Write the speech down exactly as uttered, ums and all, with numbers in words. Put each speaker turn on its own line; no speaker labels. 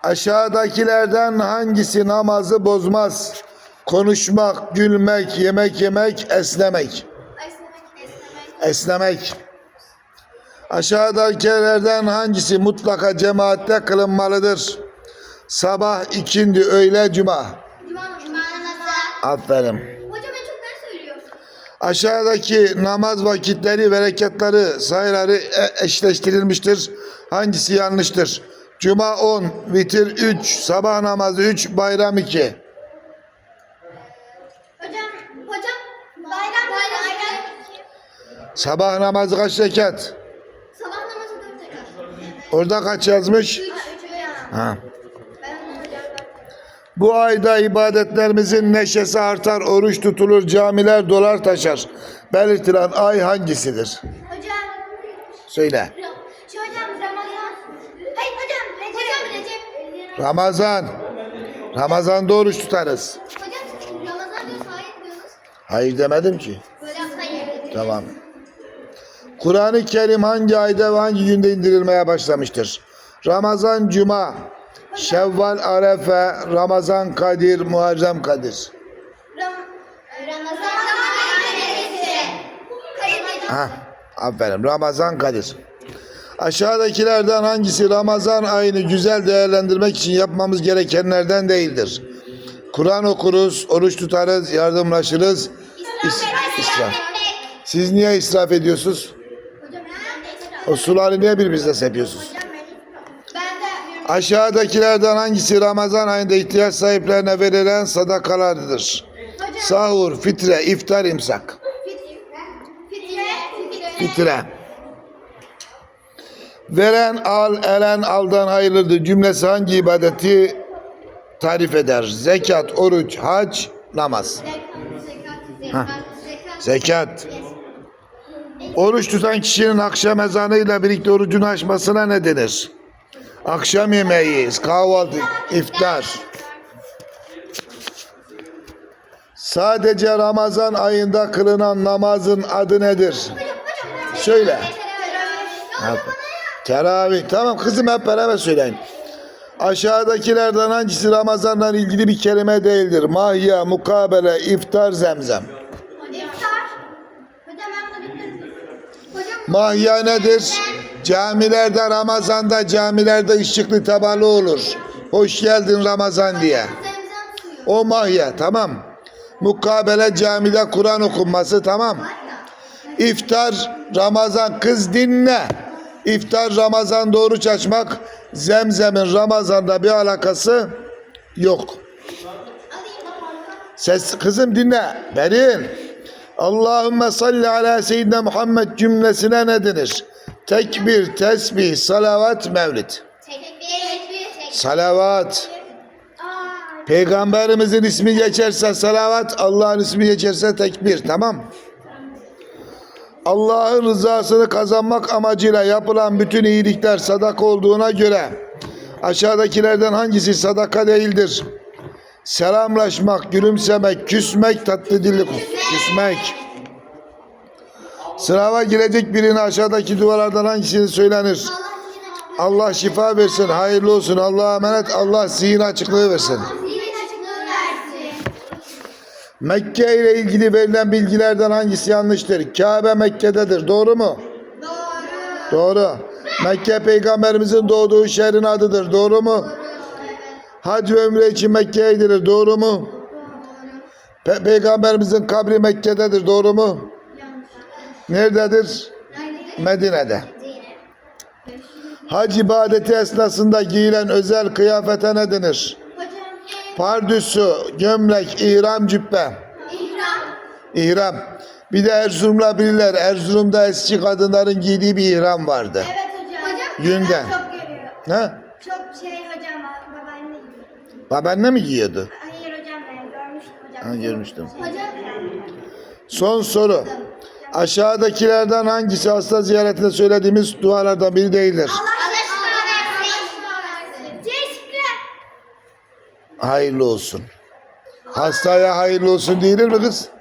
Aşağıdakilerden hangisi namazı bozmaz? Konuşmak, gülmek, yemek yemek, esnemek. Esnemek. Aşağıdakilerden hangisi mutlaka cemaatte kılınmalıdır? Sabah, ikindi, öğle, cuma.
Cuma namazı.
Aferin.
Hocam en çok ne söylüyor?
Aşağıdaki namaz vakitleri ve rekatları sayıları e- eşleştirilmiştir. Hangisi yanlıştır? Cuma on, vitir üç, sabah namazı üç, bayram iki.
Hocam, hocam bayram bayram.
Sabah namazı kaç rekat?
Sabah namazı dört rekat.
Orada kaç yazmış?
Üç. Üç hocam.
Ha.
Ben hocam.
Bu ayda ibadetlerimizin neşesi artar, oruç tutulur, camiler dolar taşar. Belirtilen ay hangisidir?
Hocam.
Söyle.
Şu hocam Ramazan. Hayır hocam Recep. Hocam Recep.
Ramazan. Ramazan'da oruç tutarız.
Hocam Ramazan diyor sahip diyoruz.
Hayır demedim ki.
Hocam hayır.
Tamam. Kur'an-ı Kerim hangi ayda ve hangi günde indirilmeye başlamıştır? Ramazan, Cuma, Şevval, Arefe, Ramazan, Kadir, Muharrem, Kadir.
Ram Ramazan Kadir. Kadir.
Ha, aferin. Ramazan, Kadir. Aşağıdakilerden hangisi Ramazan ayını güzel değerlendirmek için yapmamız gerekenlerden değildir? Kur'an okuruz, oruç tutarız, yardımlaşırız. İs israf. Siz niye israf ediyorsunuz?
Hocam
O suları niye birbirinizle sepiyorsunuz?
ben de
Aşağıdakilerden hangisi Ramazan ayında ihtiyaç sahiplerine verilen sadakalardır? Sahur, fitre, iftar, imsak. Fitre. Veren al, elen aldan hayırlıdır cümlesi hangi ibadeti tarif eder? Zekat, oruç, hac, namaz. Zekat. Oruç tutan kişinin akşam ezanıyla birlikte orucunu açmasına ne denir? Akşam yemeği, kahvaltı, iftar. Sadece Ramazan ayında kılınan namazın adı nedir? Söyle. Teravih. Tamam kızım hep beraber söyleyin. Aşağıdakilerden hangisi Ramazan'la ilgili bir kelime değildir? Mahya, mukabele, iftar, zemzem. Mahya nedir? Camilerde Ramazan'da camilerde ışıklı tabalı olur. Hoş geldin Ramazan diye. O mahya tamam. Mukabele camide Kur'an okunması tamam. İftar Ramazan kız dinle. İftar Ramazan'da oruç açmak. Zemzemin Ramazan'da bir alakası yok. Ses kızım dinle. Berin. Allahümme salli ala seyyidina Muhammed cümlesine ne denir? Tekbir, tesbih, salavat, mevlid. Salavat. Peygamberimizin ismi geçerse salavat, Allah'ın ismi geçerse tekbir. Tamam. Allah'ın rızasını kazanmak amacıyla yapılan bütün iyilikler sadaka olduğuna göre aşağıdakilerden hangisi sadaka değildir? Selamlaşmak, gülümsemek, küsmek, tatlı dilli küsmek. Sınava girecek birine aşağıdaki duvarlardan hangisini söylenir? Allah şifa versin, hayırlı olsun, Allah'a emanet, Allah zihin açıklığı versin. Mekke ile ilgili verilen bilgilerden hangisi yanlıştır? Kabe Mekke'dedir, doğru mu? Doğru. Doğru. Mekke peygamberimizin doğduğu şehrin adıdır, doğru mu? Hac ve ömre için Mekke'ye gidilir, doğru mu? Pe Peygamberimizin kabri Mekke'dedir, doğru mu? Nerededir? Medine'de. Hac ibadeti esnasında giyilen özel kıyafete ne denir? Pardüsü, gömlek, ihram, cübbe. İhram. Bir de Erzurum'la bilirler. Erzurum'da eski kadınların giydiği bir ihram vardı.
Evet hocam.
Yünden.
Çok görüyor.
Ne?
Çok şey hocam babaanne giyiyor.
Babaanne mi giyiyordu?
Hayır hocam ben görmüştüm hocam.
Ha, görmüştüm.
Hocam.
Son soru. Aşağıdakilerden hangisi hasta ziyaretinde söylediğimiz dualardan biri değildir?
Allah şifa versin. Teşekkürler.
Hayırlı olsun. Hastaya hayırlı olsun değilir mi kız?